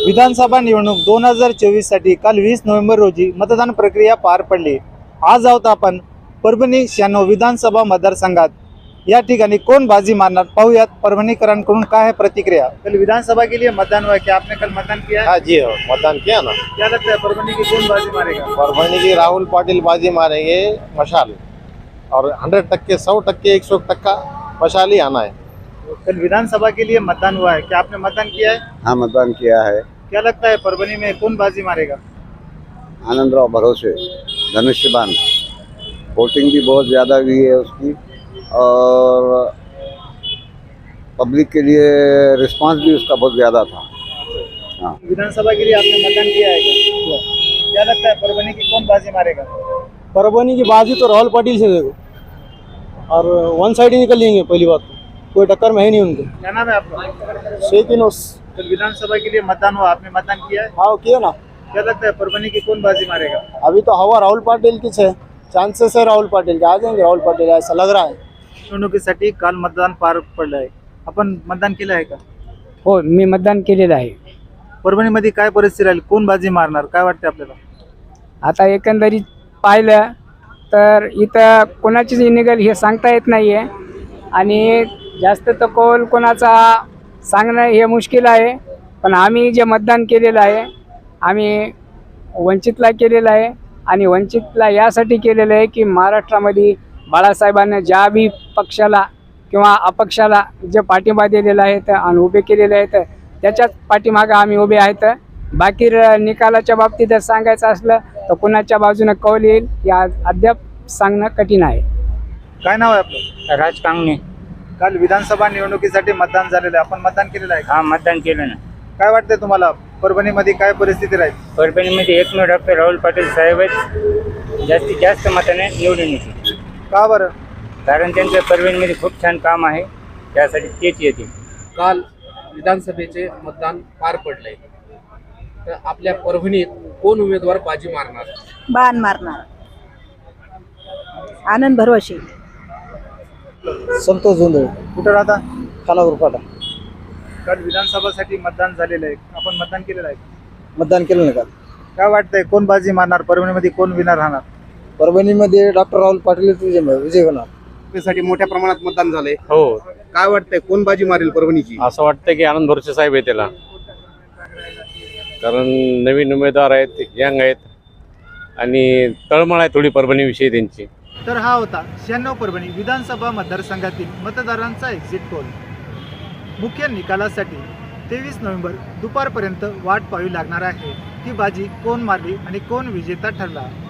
विधानसभा निवडणूक 2024 साठी काल 20 नोव्हेंबर रोजी मतदान प्रक्रिया पार पडली। आज आहोत आपण परभणी 96 विधानसभा मतदारसंघात। या ठिकाणी कोण बाजी मारणार पाहूयात। परभणीकरांकडून काय है प्रतिक्रिया। कल विधानसभा के लिए मतदान हुआ, क्या आपने कल मतदान किया है? हाँ जी, मतदान किया ना। क्या लगता है परभणी की कौन बाजी मारेगा? परभणी की राहुल पाटिल बाजी मारेंगे मशाल, और 100% 100% 100% मशाल ही आना है। कल विधानसभा के लिए मतदान हुआ है, क्या आपने मतदान किया है? हाँ, मतदान किया है। क्या लगता है परभणी में कौन बाजी मारेगा? आनंदराव भरोसे, धनुष्यबान। वोटिंग भी बहुत ज़्यादा हुई है उसकी, और पब्लिक के लिए रिस्पांस भी उसका बहुत ज़्यादा था। हाँ, विधानसभा के लिए आपने मतदान किया है क्या? क्या लगता है परभणी की कौन बाजी मारेगा? परभणी की बाजी तो राहुल पाटिल से देखो, और वन साइड ही निकल लेंगे। पहली बात तो कोई टक्कर में है नहीं उनके। क्या नाम है आपका? शेखिनोस। कल विधानसभा के लिए मतदान हुआ, आपने मतदान किया है? हाँ, किया ना। क्या लगता है परभणी की कौन बाजी मारेगा? अभी तो हवा राहुल पाटिल की है, चांसेस है राहुल पाटिल के, आ जाएंगे राहुल पाटिल, ऐसा लग रहा है। निवडणुकीसाठी काल मतदान पार पडलं आहे, आपण मतदान केलं आहे का? हो, मी मतदान केलेलं आहे। परभणीमध्ये काय परिस्थिती राहील, कोण बाजी मारणार, काय वाटते आपल्याला? आता एकंदरीत पाहिलं तर इथं कोणाचीच निघेल हे सांगता येत नाही आहे, आणि जास्त तर कौल कोणाचा सांगणं हे मुश्किल आहे। पण आम्ही जे मतदान केलेलं आहे, आम्ही वंचितला केलेलं आहे, आणि वंचितला यासाठी केलेलं आहे की महाराष्ट्रामध्ये बाळासाहेबांनी ज्या बी पक्षाला किंवा अपक्षाला जे पाठिंबा दिलेला आहे आणि उभे केलेले आहेत, त्याच्याच पाठीमागं आम्ही उभे आहेत। बाकी निकालाच्या बाबतीत जर सांगायचं असलं तर कुणाच्या बाजूने कौल येईल या अद्याप सांगणं कठीण आहे। काय नाव आहे आपलं? राज कांगणे। काल विधानसभा निवडणुकीसाठी मतदान झालेलं आहे, आपण मतदान केलेलं आहे का? हा, मतदान केलं ना। काय वाटतंय तुम्हाला, परभणीमध्ये काय परिस्थिती राहील? परभणीमध्ये एकमेव डॉक्टर राहुल पाटील साहेबच जास्तीत जास्त मताने निवडून येतील, का बरं? कारण त्यांचं परभणीमध्ये खूप छान काम आहे, त्यासाठी तेच येतील। काल विधानसभेचे मतदान पार पडले, तर आपल्या परभणीत कोण उमेदवार बाजी मारणार? बाण मारणार आनंद भरोसे। संतोष जोंधळे, कुठं राहता? खानापूर फाटा। काल विधानसभासाठी मतदान झालेलं आहे, आपण मतदान केलेलं आहे का? मतदान केलं ना काल। काय वाटतंय कोण बाजी मारणार, परभणीमध्ये कोण विनर राहणार? परभणीमध्ये डॉक्टर राहुल पाटील विजय होणार। त्यासाठी मोठ्या प्रमाणात मतदान झाले, हो, काय वाटतंय कोण बाजी मारेल परभणीची? असं वाटतं की आनंद भरोसे साहेब आहे त्याला, कारण नवीन उमेदवार आहेत, यंग आहेत, आणि तळमळ आहे थोडी परभणीविषयी त्यांची। तर हा होता 96 परभणी विधानसभा मतदारसंघातील मतदारांचा एक्झिट पोल। मुख्य निकालासाठी 23 नोव्हेंबर दुपारपर्यंत वाट पाहावी लागणार आहे की बाजी कोण मारली आणि कोण विजेता ठरला।